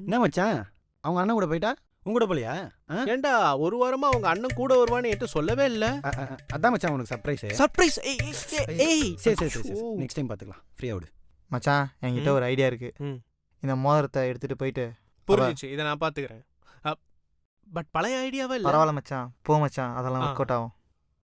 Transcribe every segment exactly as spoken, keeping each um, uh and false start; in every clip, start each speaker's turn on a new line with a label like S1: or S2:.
S1: என்ன மச்சான் அவங்க அண்ணன் கூட போயிட்டா உங்க கூட போலியா?
S2: ஏண்டா ஒரு வாரமா அவங்க அண்ணன் கூட வருவான்னு என்கிட்ட சொல்லவே இல்ல.
S1: அதான் மச்சான் உனக்கு சர்ப்ரைஸ்.
S2: சர்ப்ரைஸ்? ஏய்
S1: சரி சரி சரி நெக்ஸ்ட் டைம் பார்த்துக்கலாம். ஃப்ரீயா விடு
S3: மச்சான். என்கிட்ட ஒரு ஐடியா இருக்கு. இந்த மோதிரத்தை எடுத்துட்டு போயிட்டு.
S2: புரிஞ்சிச்சு, இதை நான் பார்த்துக்கிறேன். பட் பழைய ஐடியாவே இல்லை.
S3: பரவாயில்ல மச்சான், போ மச்சான், அதெல்லாம் ஒர்க் அவுட் ஆகும்.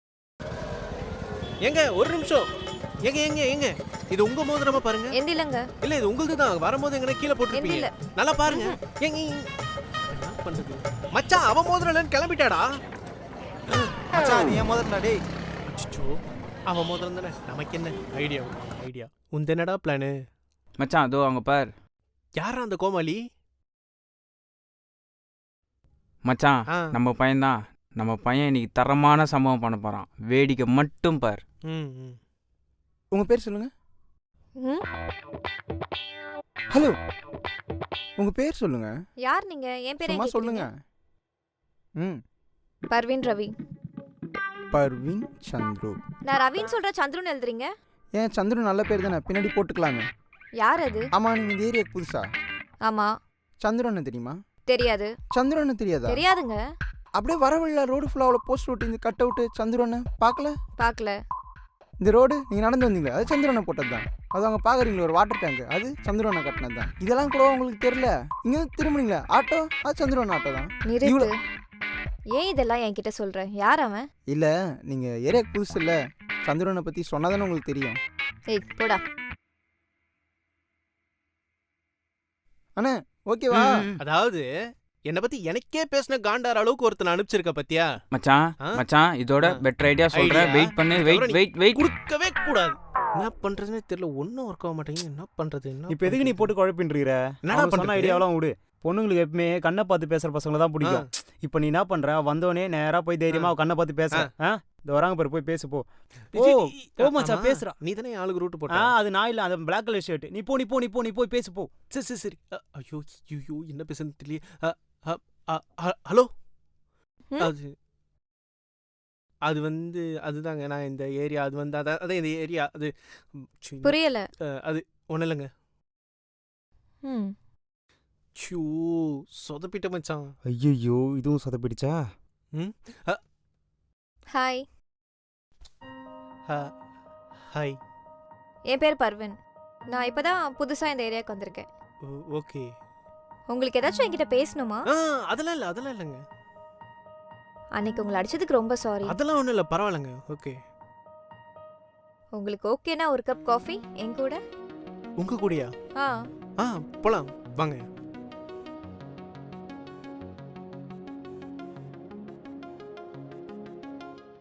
S2: எங்க ஒரு நிமிஷம், எங்க எங்க எங்க இது உங்க மோதிரமா பாருங்க.
S4: எந்த இல்லங்க.
S2: இல்ல இது உங்களுது தான். வரும்போது எங்கன கீழ போட்டுருப்பீங்க. நல்லா பாருங்க. எங்க என்ன பண்றது மச்சான்? அவ மோதிரம் இல்லன்னு கிளம்பிட்டாடா.
S3: மச்சான் நீ ஏன் மோதிரம்டா டேய்?
S2: அச்சோ அவ மோதிரம் தானே. நமக்கு என்ன ஐடியா? ஐடியா உன் என்னடா பிளான்
S5: மச்சான்? அதோ அங்க பார்.
S2: யாரா அந்த கோமாளி?
S5: மச்சான் நம்ம பையன் தான். நம்ம பையன் இன்னைக்கு தரமான சம்பவம் பண்ண போறான். வேடிக்கை மட்டும் பார்.
S1: உங்க பேர் சொல்லுங்க. ஹலோ உங்க பேர் சொல்லுங்க.
S4: யார் நீங்க? என் பேர்
S1: சும்மா சொல்லுங்க. ம்
S4: பர்வீன் ரவி.
S1: பர்வீன் சந்துரு.
S4: நான் ரவின்னு சொல்ற சந்துருன்னு எழுதுறீங்க.
S1: ஏன் சந்துரு நல்ல பேர் தானே, பின்னாடி போட்டுக்கலாமே.
S4: யார் அது?
S1: ஆமா நீங்க இந்த ஏரியாக்கு புதுசா?
S4: ஆமா.
S1: சந்துரு அண்ணன் தெரியுமா?
S4: தெரியாது.
S1: சந்துரு அண்ணன் தெரியாதா?
S4: தெரியாதுங்க.
S1: அப்படியே வரவில்லை ரோடு ஃபுல்லாக அவ்வளோ போஸ்ட் ஓட்டி இந்த கட் அவுட்டு சந்துரு அண்ணன் பார்க்கல?
S4: பார்க்கல.
S1: இந்த ரோடு நீங்கள் நடந்து வந்தீங்களா, அது சந்துரு அண்ணன் போட்டது தான். அது அவங்க பார்க்குறீங்களா ஒரு வாட்டர் டேங்க், அது சந்துரு அண்ணன் கட்டினது தான். இதெல்லாம் கூட உங்களுக்கு தெரியல. இங்கே திரும்பினீங்களா ஆட்டோ, அது சந்துரு அண்ணன் ஆட்டோ தான்.
S4: நிறுத்து. ஏன் இதெல்லாம் என்கிட்ட சொல்ற? யார் அவன்?
S1: இல்லை நீங்கள் ஏரியாக்கு புதுசு இல்லை, சந்துரு அண்ணனை பற்றி சொன்னாதானே உங்களுக்கு தெரியும்.
S4: ஏய் போடா.
S1: அண்ணே ஓகேவா?
S2: அதாவது என்ன பத்தி எனக்கே பேசின காண்டார அளவுக்கு ஒருத்தன் அனுப்பிச்சிருக்க பத்தியா
S5: மச்சான்? மச்சான் இதோட பெட்டர் ஐடியா சொல்றேன். வெயிட் பண்ணு. Wait wait wait.
S2: குடுக்கவே கூடாது. என்ன பண்றதுன்னு தெரியல. ஒன்னும் ஒர்க் ஆக மாட்டேங்குது. என்ன பண்றது?
S1: இப்போ எதுக்கு நீ போட்டு குழப்பின்றீர?
S2: என்னடா பண்ண
S6: ஐடியாவெல்லாம் விடு. பொண்ணுங்களுக்கு எப்பவுமே கண்ணை பார்த்து பேசுற பசங்களை தான் பிடிக்கும். இப்போ நீ என்ன பண்ற? வந்தோடனே நேரா போய் தைரியமா கண்ணை பார்த்து பேச. இந்த வராங்க பாரு, போய் பேசு போ. ஓ மச்சான் பேசுறா.
S2: நீ தானே ஆளுக்கு ரூட் போட்ட.
S6: அது நான் இல்ல, அந்த பிளாக் கலர் ஷர்ட். நீ போ நீ போ நீ போ நீ போய் பேசு போ.
S2: சரி சரி சரி. ஐயோ ஐயோ என்ன பேசுன்னு தெரியல. ஹலோ, அது அது வந்து அதுதாங்க நான் இந்த ஏரியா. அது வந்து அதான் அதான் இந்த ஏரியா. அது
S4: புரியல.
S2: அது ஒன்றும் இல்லைங்க.
S4: ம்
S2: ஷூ சொதப்பிட்ட மச்சான்.
S6: ஐயோ இதுவும் சொதப்பிடுச்சா?
S2: ம்
S4: ஹாய்.
S2: ஹாய்.
S4: என் பேர் பர்வீன். நான் இப்போதான் புதுசாக இந்த ஏரியாவுக்கு வந்திருக்கேன்.
S2: ஓகே.
S4: உங்களுக்கு ஏதாச்சும் என்கிட்ட பேசணுமா?
S2: அதெல்லாம் இல்லை அதெல்லாம் இல்லைங்க.
S4: அன்னைக்கு உங்களை அடிச்சதுக்கு ரொம்ப சாரி.
S2: அதெல்லாம் ஒன்றும் இல்லை, பரவாயில்லைங்க. ஓகே.
S4: உங்களுக்கு ஓகேனா ஒரு கப் காஃபி என் கூட?
S2: உங்க கூடயா?
S4: ஆ
S2: ஆ போலாம் வாங்க.